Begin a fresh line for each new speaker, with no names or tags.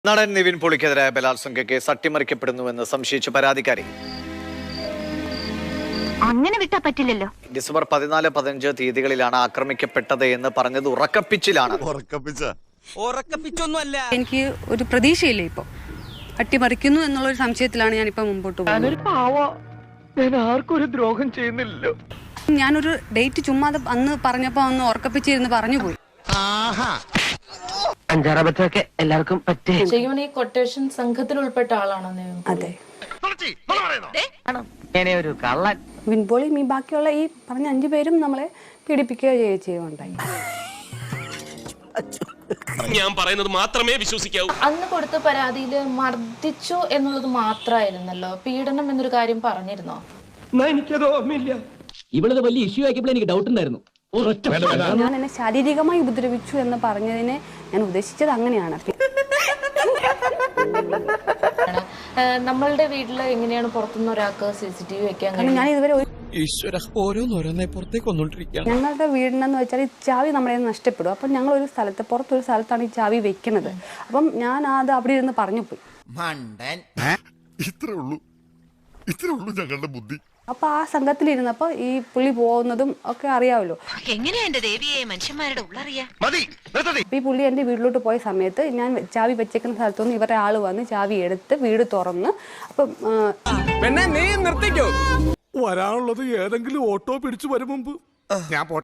നടൻ നിവിൻ പോളിക്കെതിരായ ബലാത്സംഗ കേസ് അട്ടിമറിക്കപ്പെടുന്നുവെന്ന് സംശയിച്ച പരാതിക്കാരി
അങ്ങനെ വിട്ടാ പറ്റില്ലല്ലോ.
ഡിസംബർ 14-15 തീയതികളിലാണ് ആക്രമിക്കപ്പെട്ടത് എന്ന് പറഞ്ഞത് ഉറക്കപ്പിച്ചിലാണ്.
എനിക്ക് ഒരു പ്രതീക്ഷയില്ല. ഇപ്പൊ അട്ടിമറിക്കുന്നു എന്നുള്ളൊരു സംശയത്തിലാണ് ഞാനിപ്പോ മുമ്പോട്ട് പോകുന്നത്.
ആർക്കൊരു ദ്രോഹം ചെയ്യുന്നില്ലല്ലോ.
ഞാനൊരു ഡേറ്റ് ചുമ്മാതെ അന്ന് പറഞ്ഞപ്പോ അന്ന് ഉറക്കപ്പിച്ചിരുന്ന് പറഞ്ഞു പോയി.
അഞ്ചാറബത്തൊക്കെ എല്ലാവർക്കും പറ്റേ.
ശരിക്കും ഈ കൊട്ടേഷൻ സംഘത്തിൽ ഉൾപ്പെട്ട ആളാണോ?
അതെ,
ഒരു കള്ളൻ.
വിൻപോളിയും ഈ ബാക്കിയുള്ള ഈ പറഞ്ഞ 5 പേരും നമ്മളെ പീഡിപ്പിക്കുകയോ ചെയ്യുകയുണ്ടായി.
ഞാൻ പറയുന്നത് മാത്രമേ വിശ്വസിക്കാവൂ.
അന്ന് കൊടുത്ത പരാതിയിൽ മർദ്ദിച്ചു എന്നുള്ളത് മാത്രമായിരുന്നല്ലോ, പീഡനം എന്നൊരു കാര്യം പറഞ്ഞിരുന്നോ?
എനിക്കത് ഓർമ്മയില്ല.
ഇവളത് വലിയ ഇഷ്യൂ ആക്കിയപ്പോൾ എനിക്ക് ഡൗട്ട് ഉണ്ടായിരുന്നു.
ഞാൻ എന്നെ ശാരീരികമായി ഉപദ്രവിച്ചു എന്ന് പറഞ്ഞതിനെ ഞാൻ ഉദ്ദേശിച്ചത് അങ്ങനെയാണ്.
നമ്മളുടെ വീട്ടില് എങ്ങനെയാണ് പുറത്തുനിന്ന് ഒരാൾക്ക് CCTV വെക്കാൻ
കാരണം ഞാൻ ഇതുവരെ
ഞങ്ങളുടെ
വീടിനെന്ന് വെച്ചാൽ ഈ ചാവി നമ്മളെ നഷ്ടപ്പെടും. അപ്പം ഞങ്ങൾ ഒരു സ്ഥലത്ത് പുറത്തൊരു സ്ഥലത്താണ് ഈ ചാവി വെക്കുന്നത്. അപ്പം ഞാൻ അത് അവിടെ ഇരുന്ന് പറഞ്ഞു പോയി.
ഇത്രേ ഉള്ളൂ ഞങ്ങളുടെ ബുദ്ധി.
അപ്പൊ ആ സംഘത്തിലിരുന്നപ്പോ ഈ പുള്ളി പോകുന്നതും ഒക്കെ അറിയാമല്ലോ.
എങ്ങനെയാ എന്റെ ദേവിയെ മനുഷ്യന്മാരുടെ ഉള്ളറിയാ?
ഈ പുള്ളി എന്റെ വീട്ടിലോട്ട് പോയ സമയത്ത് ഞാൻ ചാവി വെച്ചേക്കുന്ന സ്ഥലത്തുനിന്ന് ഇവരുടെ ആള് വന്ന് ചാവി എടുത്ത് വീട് തുറന്ന് അപ്പം
വരാനുള്ളത് ഏതെങ്കിലും ഓട്ടോ പിടിച്ചു വരും മുമ്പ് ഞാൻ